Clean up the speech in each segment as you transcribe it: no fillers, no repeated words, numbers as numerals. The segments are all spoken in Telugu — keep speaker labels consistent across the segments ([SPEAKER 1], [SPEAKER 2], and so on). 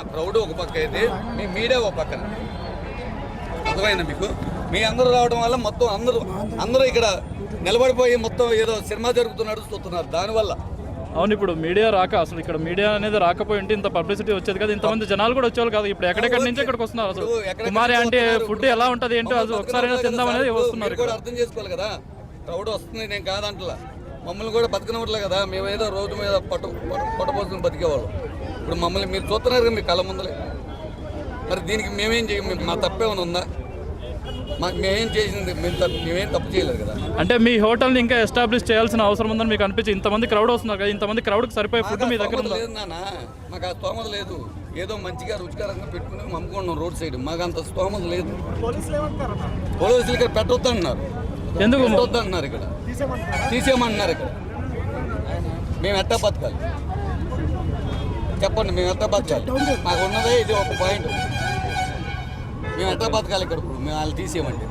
[SPEAKER 1] క్రౌడ్ ఒక పక్క అయితే మీ మీడియా ఒక పక్కన. అర్థమైందా మీకు? మీ అందరూ రావడం వల్ల మొత్తం అందరూ ఇక్కడ నిలబడిపోయి మొత్తం ఏదో సినిమా జరుగుతున్నట్టు చూస్తున్నారు. దానివల్ల
[SPEAKER 2] అవును, ఇప్పుడు మీడియా రాక అసలు ఇక్కడ మీడియా అనేది రాకపోయి ఉంటే ఇంత పబ్లిసిటీ వచ్చేది కదా, ఇంతమంది జనాలు కూడా వచ్చేవాళ్ళు కాదు. ఇప్పుడు ఎక్కడెక్కడి నుంచి ఇక్కడికి వస్తున్నారు. అసలు కుమారి అంటే ఫుడ్ ఎలా ఉంటుంది ఏంటో అది ఒకసారి తిందాం అనేది వస్తున్నారు.
[SPEAKER 1] కూడా అర్థం చేసుకోవాలి కదా, క్రౌడ్ వస్తుంది నేను కాదంటలా. మమ్మల్ని కూడా బతికినట్లే కదా, మేమేదో రోడ్డు మీద పొట్టపోసుకుని బతికేవాళ్ళం. ఇప్పుడు మమ్మల్ని మీరు చూస్తున్నారు కదా మీ కళ్ళ ముందలే. మరి దీనికి మేమేం చేయం? మా తప్పేమైనా ఉందా? మేమేం చేసింది? మేమేం తప్పు చేయలేదు కదా.
[SPEAKER 2] అంటే మీ హోటల్ని ఇంకా ఎస్టాబ్లిష్ చేయాల్సిన అవసరం ఉందని మీకు అనిపించింది? ఇంతమంది క్రౌడ్ వస్తున్నారు కదా, ఇంతమంది క్రౌడ్కి సరిపోయే ఫుడ్ మీ దగ్గర
[SPEAKER 1] లేదు నాన్న. మాకు ఆ స్తోమత లేదు. ఏదో మంచిగా రుచికరంగా పెట్టుకుని అమ్ముకుంటున్నాం రోడ్ సైడ్. మాకు అంత స్తోమత లేదు. పోలీసులు ఇక్కడ పెట్టొద్దు అంటున్నారు. ఎందుకు పెట్టొద్దు అంటున్నారు? ఇక్కడ తీసేయమంటున్నారు. ఇక్కడ మేము ఎట్టా బతకాలి చెప్పండి? మేము ఎట్టా బతకాలి? మాకు ఉన్నదే ఇది ఒక పాయింట్. మేము ఎట్టా బతకాలి ఇక్కడ? ఇప్పుడు మేము వాళ్ళు తీసేయమంటే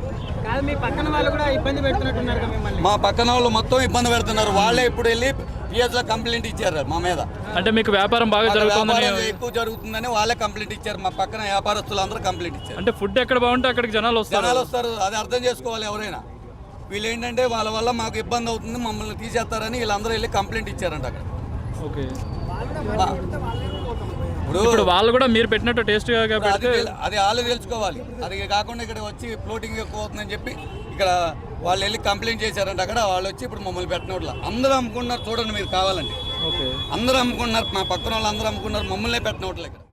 [SPEAKER 1] మా పక్కన వాళ్ళు మొత్తం ఇబ్బంది పెడుతున్నారు. వాళ్ళే ఇప్పుడు వెళ్ళి పిఎస్ లో కంప్లైంట్ ఇచ్చారు మా మీద.
[SPEAKER 2] అంటే మీకు వ్యాపారం బాగా జరుగుతుందని,
[SPEAKER 1] ఎక్కువ జరుగుతుందని వాళ్ళే కంప్లైంట్ ఇచ్చారు. మా పక్కన వ్యాపారస్తులు అందరూ కంప్లైంట్ ఇచ్చారు.
[SPEAKER 2] అంటే ఫుడ్ ఎక్కడ బాగుంటే అక్కడికి జనాలు
[SPEAKER 1] వస్తారు. అది అర్థం చేసుకోవాలి ఎవరైనా. వీళ్ళు ఏంటంటే వాళ్ళ వల్ల మాకు ఇబ్బంది అవుతుంది, మమ్మల్ని తీసేస్తారని వీళ్ళందరూ వెళ్ళి కంప్లైంట్ ఇచ్చారంట అక్కడ.
[SPEAKER 2] ఓకే, ఇప్పుడు వాళ్ళు కూడా మీరు పెట్టినట్టు టేస్ట్గా
[SPEAKER 1] అది వాళ్ళు తెలుసుకోవాలి. అది కాకుండా ఇక్కడ వచ్చి ఫ్లోటింగ్ ఎక్కువ అవుతుందని చెప్పి ఇక్కడ వాళ్ళు వెళ్ళి కంప్లైంట్ చేశారంట అక్కడ. వాళ్ళు వచ్చి ఇప్పుడు మమ్మల్ని పెట్టినట్ల అందరూ అమ్ముకున్నారు. చూడండి మీరు కావాలండి, అందరూ అమ్ముకున్నారు. మా పక్కన వాళ్ళు అందరూ అమ్ముకున్నారు, మమ్మల్ని పెట్టినట్లే ఇక్కడ.